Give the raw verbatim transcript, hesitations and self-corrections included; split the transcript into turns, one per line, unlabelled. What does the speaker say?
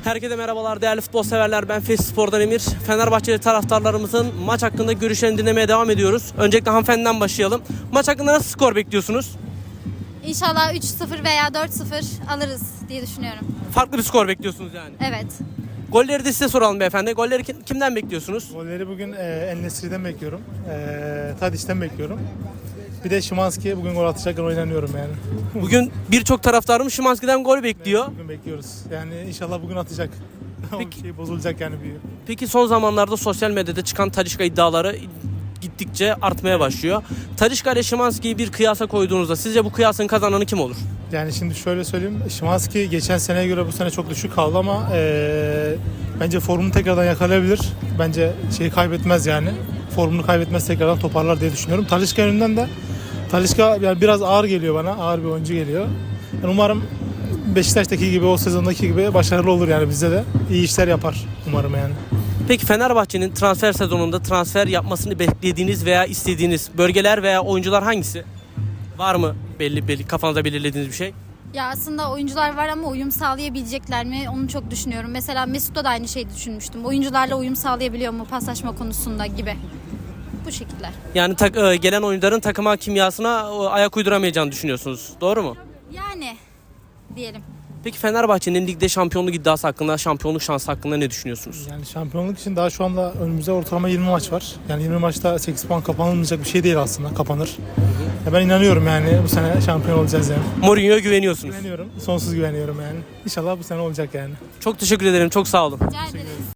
Herkese merhabalar değerli futbol severler. Ben Fes Spor'dan Emir. Fenerbahçeli taraftarlarımızın maç hakkında görüşlerini dinlemeye devam ediyoruz. Öncelikle hanımefendiden başlayalım. Maç hakkında nasıl skor bekliyorsunuz?
İnşallah üç sıfır veya dört sıfır alırız diye düşünüyorum.
Farklı bir skor bekliyorsunuz yani.
Evet.
Golleri de size soralım beyefendi. Golleri kim- kimden bekliyorsunuz?
Golleri bugün e, En-Nesyri'den bekliyorum. E, Tadic'ten bekliyorum. Bir de Szymański bugün gol atacak oynanıyorum yani.
Bugün birçok taraftarım Szymański'den gol bekliyor.
Bugün bekliyoruz. Yani inşallah bugün atacak.
Peki.
O şey bozulacak yani büyük.
Peki son zamanlarda sosyal medyada çıkan Talisca iddiaları gittikçe artmaya başlıyor. Talisca ile Szymański'yi bir kıyasa koyduğunuzda sizce bu kıyasın kazananı kim olur?
Yani şimdi şöyle söyleyeyim. Szymański geçen seneye göre bu sene çok düşük kaldı ama e, bence formunu tekrardan yakalayabilir. Bence şeyi kaybetmez yani. Formunu kaybetmez, tekrardan toparlar diye düşünüyorum. Talisca yönünden de Talisca yani biraz ağır geliyor bana. Ağır bir oyuncu geliyor. Yani umarım Beşiktaş'taki gibi, o sezondaki gibi başarılı olur yani bizde de. İyi işler yapar umarım yani.
Peki Fenerbahçe'nin transfer sezonunda transfer yapmasını beklediğiniz veya istediğiniz bölgeler veya oyuncular hangisi? Var mı belli belli kafanızda belirlediğiniz bir şey?
Ya aslında oyuncular var ama uyum sağlayabilecekler mi onu çok düşünüyorum. Mesela Mesut'ta da aynı şeyi düşünmüştüm. Oyuncularla uyum sağlayabiliyor mu paslaşma konusunda gibi. Bu şekiller.
Yani tak- e, gelen oyuncuların takıma kimyasına e, ayak uyduramayacağını düşünüyorsunuz. Doğru mu?
Yani diyelim.
Peki Fenerbahçe'nin ligde şampiyonluk iddiası hakkında, şampiyonluk şansı hakkında ne düşünüyorsunuz?
Yani şampiyonluk için daha şu anda önümüzde ortalama yirmi maç var. Yani yirmi maçta sekiz puan kapanılmayacak bir şey değil aslında. Kapanır. Ya ben inanıyorum yani bu sene şampiyon olacağız yani.
Mourinho'ya güveniyorsunuz.
Güveniyorum. Sonsuz güveniyorum yani. İnşallah bu sene olacak yani.
Çok teşekkür ederim. Çok sağ olun.
Rica ederiz.